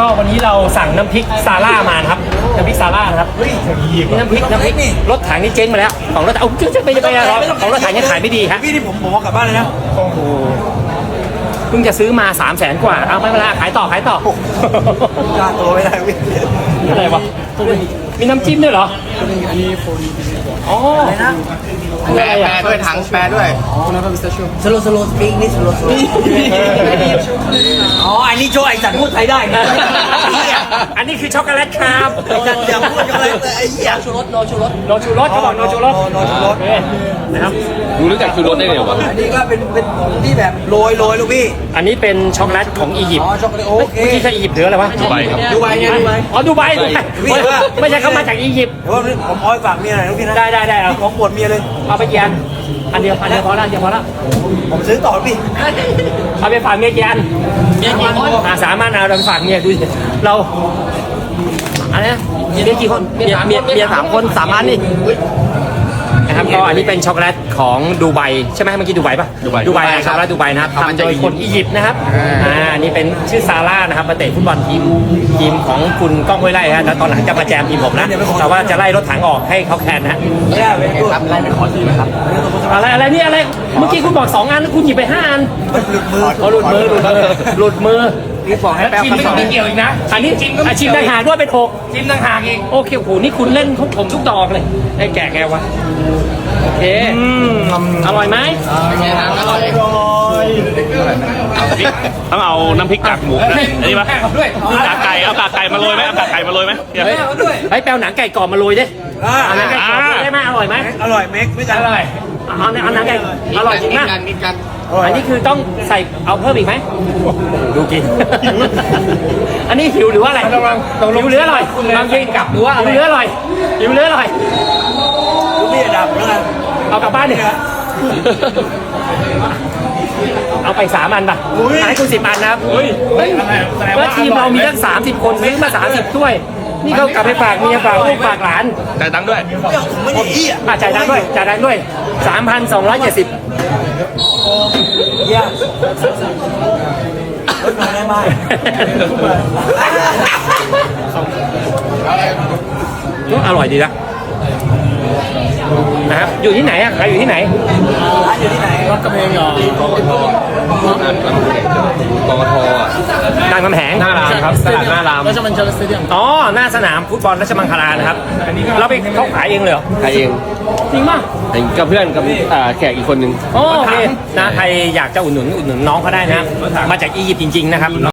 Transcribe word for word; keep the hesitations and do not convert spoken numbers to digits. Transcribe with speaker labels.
Speaker 1: ก็วันนี้เราสั่งน้ำพริกซาร่ามาครับน้ำพริกซาร่านะครับนี่น้ำพริกน้ำพริกรถถังนี่เจ๊งมาแล้วของรถถังเอาจะไปจะไปของรถถังยังขายไม่ดีฮะ
Speaker 2: พี่ที่ผมผมกลับบ้านเลยนะ
Speaker 1: โอ้โหเพิ่งจะซื้อมาสามแสนกว่าเอาไม่เป็นไรขายต่อขายต่อก
Speaker 2: ล้าตัวไม่ได้พี่
Speaker 1: อะไรวะมีน้ำจิ้มด้วยเหรออ๋อ
Speaker 2: แปลแปลด้วยถังแปลด้วยสโลสโลสปีกนี่สโลสโลอ๋ออันนี้โชว์ไอ้สัตว์พูดไทยได้
Speaker 1: อันนี้คือช็อกโกแลตครับ
Speaker 2: อย่าพูดช็อกโกแลตไอ้เหี้ยชูรสโนชูรส
Speaker 1: โนชูรสเขาบอกโนชูรส
Speaker 2: โนชูรส
Speaker 1: นะครับ
Speaker 3: ดูรู้จักชูรสได้ไงวะ
Speaker 2: อันนี้ก็เป็นเป็นที่แบบโรยโรยลูกพี่
Speaker 1: อันนี้เป็นช็อกโกแลตของอียิปต์
Speaker 2: อ๋อช็อกโกแลตโอเค
Speaker 1: ที่ใช่อียิปต์หรืออะไรวะ
Speaker 3: ดูไบครับ
Speaker 2: ดูไบไงดูไบ
Speaker 1: อ๋อดูไบไม่ใช่เขามาจากอียิปต์
Speaker 2: แต่ว่าผมเอาไปฝากเมียหน่อยลูกพี่นะ
Speaker 1: ได้ได้ได้เอา
Speaker 2: ของปวดเมียเลย
Speaker 1: เอาไปกี่อันอันเดียวอันเดียวพอละเดียวพอละ
Speaker 2: ผมซื้อต่อพี่
Speaker 1: เอาไปฝากเมียกี่อันเมียกี่คนอ่าสามอันเอาเราไปฝากเมียดูเราอะไรนะเมียกี่คนเมียเมียเมียสามคนสามอันนี่นะครับก็อันนี้เป็นช็อกโกแลตของดูไบใช่ไหมเมื่อกี้ดูไบป่ะ
Speaker 3: ดูไบ
Speaker 1: ดูไบช็อกโกแลตดูไบนะครับทำโดยคนอียิปต์นะครับอ่านี่เป็นชื่อซาร่านะครับมาเตะฟุตบอลทีมทีมของคุณก้องห้วยไร่ฮะแล้วตอนหลังจะมาแจมทีมผมนะแต่ว่าจะไล่รถถังออกให้เขาแคนนะ
Speaker 2: ไม่ได้เป็นครับไล่ไปขอซื้อนะครับ
Speaker 1: อะไรอะไรนี่อะไรเมื่อกี้คุณบอกสองอันคุณหยิบไปห้าอัน
Speaker 2: หลุดมือ
Speaker 1: หลุดมือหลุดมือหลุดมือ
Speaker 2: นี่บอกให้แป๊บ
Speaker 1: ไม่ไม่เกี่ยวอีกนะอันนี้ชิมก็ชิมต่างหากด้วยเป็นหกชิมต่างหากอีกโอเคโอ้โหนี่คุณเล่นทุกผมทุกดอกเลยไอ้แก่แกวะโอเคอร่อยไหม
Speaker 2: เป็นไงนะอร่อย
Speaker 3: ต้องเอาน้ำพริกกากหมูอันนี้ปะกากไก่เอากากไก่มาโรยไหมเอากากไก่มาโรยไหม
Speaker 1: เฮ้ยเฮ้ยแปลวหนังไก่กรอบมาโรยดิเอาหนังไก่กรอบได้ไหมอร่อยไหม
Speaker 2: อร่อยเม็กไม่จัดอร่อย
Speaker 1: เอาเอาหนังไก่อร่อยจริงนะ
Speaker 2: กินกัน
Speaker 1: อันนี้คือต้องใส่เอาเพิ่มอีกไหมดูกินอันนี้หิวหรือว่าอะไรหิวหรืออร่อยบางทีกลับหรือว่าหิวหรืออร่อยหิวหรืออร่อย
Speaker 2: ลูกพี่ดับแล้วกัน
Speaker 1: เอากลับบ้านเนี่ยเอาไปสามอันป่ะให้คุณสิบอันนะครับว่าทีมเรามีตั้งสามสิบคนซื้อมาสามสิบถ้วยนี่เขากลับไปฝากเมียฝากลูกฝากหลาน
Speaker 3: จ่ายตังค์ด้วย
Speaker 2: ไม่ได้อี้
Speaker 1: อ่ะจ่ายตังค์ด้วยจ่ายตังค์ด้วยสามพันสองร้อยเจ็ดสิบ
Speaker 2: เยี่ยมรถมาได้ไหม
Speaker 1: อร่อยดีนะนะครับอยู่ที่ไหนอ่ะใครอยู่ที่ไหน
Speaker 2: ร้านอยู่ที่ไหนรถกระเพงเหรอกกท
Speaker 3: กกท
Speaker 1: รามคำแหง
Speaker 3: หน้ารามครับตลาดหน้าราม
Speaker 2: ราชมังคลาสเตเดียม
Speaker 1: อ๋อหน้าสนามฟุตบอลราชมังคลานะครับเราไปเขาขายเองเลยเหรอ
Speaker 3: ขายเอง
Speaker 1: จริงป่ะ
Speaker 3: กับเพื่อนกับแขกอีกคนนึง
Speaker 1: โอเคนะใครอยากจะอุดหนุนอุดหนุนน้องเขาได้นะมาจากอียิปต์จริงๆนะครับ